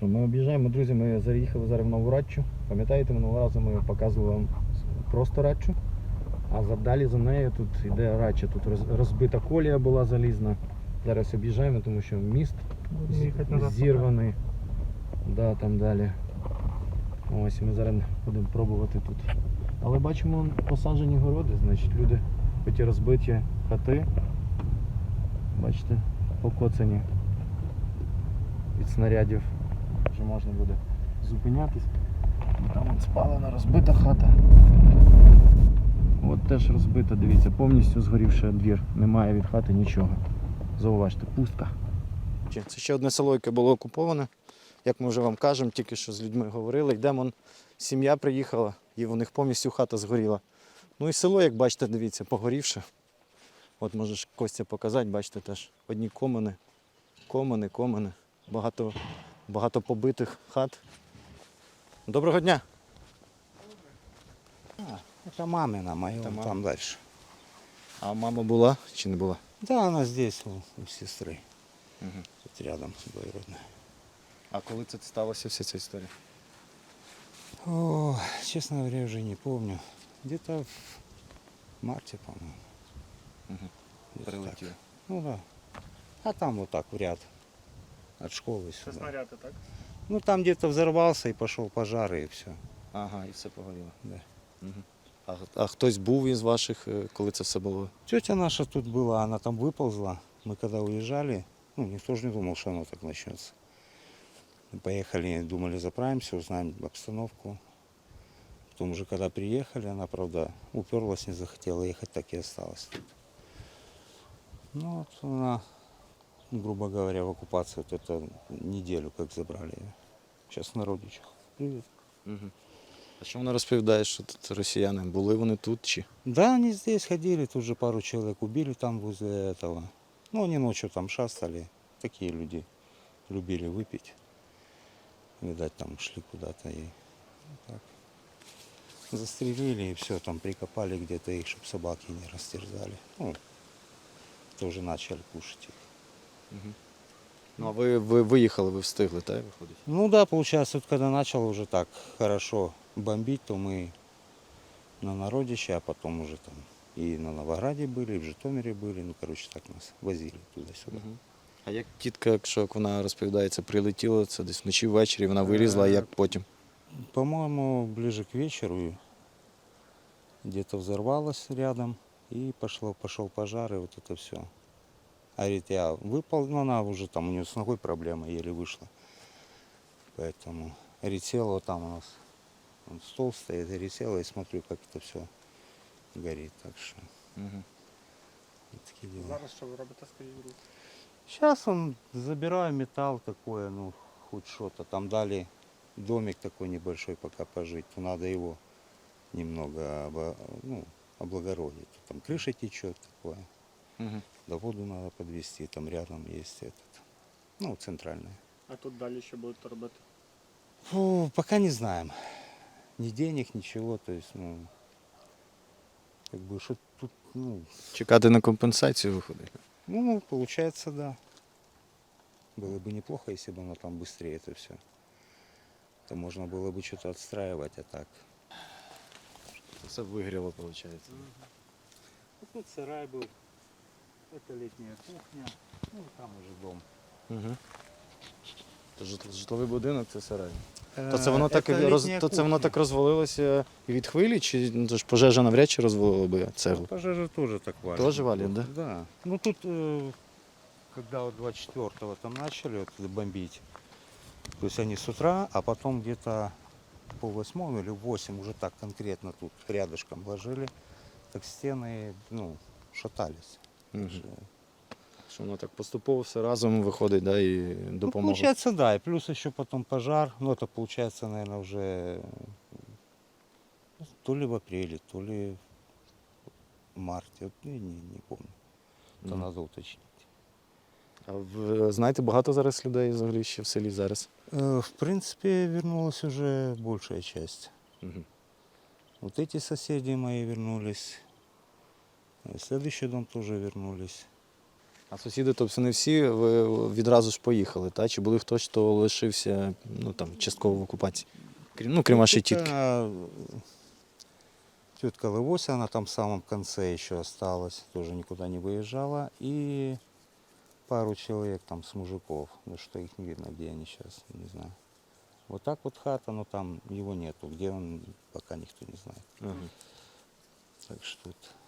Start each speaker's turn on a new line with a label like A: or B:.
A: що, ми об'їжджаємо, друзі, ми заїхали зараз в Нову Радчу. Пам'ятаєте, минулого разу ми показували вам просто Радчу, а далі за нею тут йде Радча, тут розбита колія була залізна. Зараз об'їжджаємо, тому що міст зірваний. Да, там далі. Ось, ми зараз будемо пробувати тут. Але бачимо посаджені городи, значить люди, хоч і розбиті хати, бачите, покоцані від снарядів. Вже можна буде зупинятись. Там от спалена розбита хата. От теж розбита, дивіться, повністю згорівший двір. Немає від хати нічого. Зауважте, пустка. Це ще одне село, яке було окуповане. Як ми вже вам кажемо, тільки що з людьми говорили. Йдемо, сім'я приїхала і у них повністю хата згоріла. Ну і село, як бачите, дивіться, погорівше. От можеш Костя показати, бачите теж. Одні комини. Багато побитих хат. Доброго дня!
B: Это мамина моя,
A: Это
B: там дальше.
A: А мама була чи не була?
B: Да, она здесь, у сестры.
A: Угу.
B: Тут рядом двоюродная.
A: А коли це сталося, вся ця історія?
B: О, честно говоря, уже не помню. Где-то в марте, по-моему.
A: Угу.
B: Где-то
A: Прилетіло.
B: так. Ну да. А там вот так в ряд. От школы
C: Це
B: сюда.
C: снаряди, так?
B: Ну там где-то взорвался и пошел пожар и все.
A: Ага, і все погоріло.
B: Да.
A: Угу. А хтось був із ваших, коли це все було?
B: Тетя наша тут была, она там выползла. Мы когда уезжали, ну никто же не думал, что оно так начнется. Мы поехали, думали, заправимся, узнаем обстановку. Потом уже когда приехали, она, правда, уперлась, не захотела ехать, так и осталась тут. Ну вот она, грубо говоря, в оккупацию вот это неделю как забрали ее. Сейчас на родичах. Привет.
A: Угу. А що вона розповідає, що тут росіяни? Були вони тут чи?
B: Да, они здесь ходили, тут же пару человек убили там возле этого. Ну, они ночью там шастали. Такие люди любили выпить. Видать, там шли куда-то и так. Застрелили и все, там прикопали где-то их, чтобы собаки не растерзали. Ну, тоже начали кушать их.
A: Угу. Ну а ви виїхали, ви встигли, так, виходить?
B: Ну да, получается, вот когда начало уже так хорошо бомбить, то мы на Народище, а потом уже там и на Новограде были, и в Житомире были. Ну, короче, так нас возили туда-сюда.
A: Угу. А як тітка, якщо як вона розповідається, прилетіла, це десь вночі ввечері, вона вилізла, а як потім?
B: По-моему, ближе к вечеру где-то взорвалось рядом, и пошел пожар, и вот это все. А говорит, я выпал, но она уже там, у нее с ногой проблема, еле вышла. Поэтому, говорит, села вот там у нас, вон стол стоит, говорит, села и смотрю, как это все горит. Так что,
A: Угу.
B: вот такие дела.
C: Зараз що ви робите, скажіть, будь ласка?
B: Сейчас он забираю металл такое, ну, хоть что-то. Там дали домик такой небольшой пока пожить, то надо его немного облагородить. Там крыша течет такое,
A: Угу.
B: да воду надо подвести, там рядом есть этот, ну, центральная.
C: А тут далі що будете робити?
B: Фу, пока не знаем. Ни денег, ничего, то есть, ну, как бы, что тут, ну,
A: Чекати на компенсацію виходить?
B: ну, получается, да. Было бы неплохо, если бы оно там быстрее это все. То можно было бы что-то отстраивать, а так.
A: Все вигріло, виходить.
B: Вот тут сарай был, это летняя кухня, ну там уже дом.
A: Угу. Житловий будинок це сарай. То це воно так, то воно так розвалилося від хвилі, чи ну, то ж пожежа навряд чи розвалила би цеглу?
B: Пожежа тоже так валит.
A: Тоже валит, да?
B: Да. Ну тут, когда вот 24-го там начали вот бомбить, то есть они с утра, а потом где-то пол-8 или 8 уже так конкретно тут рядышком ложили, так стены, ну, шатались.
A: Угу.
B: Что-
A: Що воно так поступово все разом виходить, да, і
B: Ну,
A: допомога.
B: получается, да, и плюс еще потом пожар, ну это получается, наверное, уже то ли в апреле, то ли в марте, вот, не помню, это
A: Мгм.
B: надо уточнить.
A: А ви знаєте, багато зараз людей взагалі ще в селі зараз?
B: В принципе, вернулась уже большая часть.
A: Угу.
B: Вот эти соседи мои вернулись, следующий дом тоже вернулись.
A: А сусіди, тобто не всі відразу ж поїхали, та? Чи були хтось, хто лишився частково в окупації? Крім вашої тітки.
B: Тетка Лывося, она там в самом конце еще осталась, тоже никуда не выезжала. И пару человек там с мужиков, ну что их не видно, где они сейчас, не знаю. Вот так вот хата, но там его нету, где он, пока никто не знает.
A: Ага.
B: Так что тут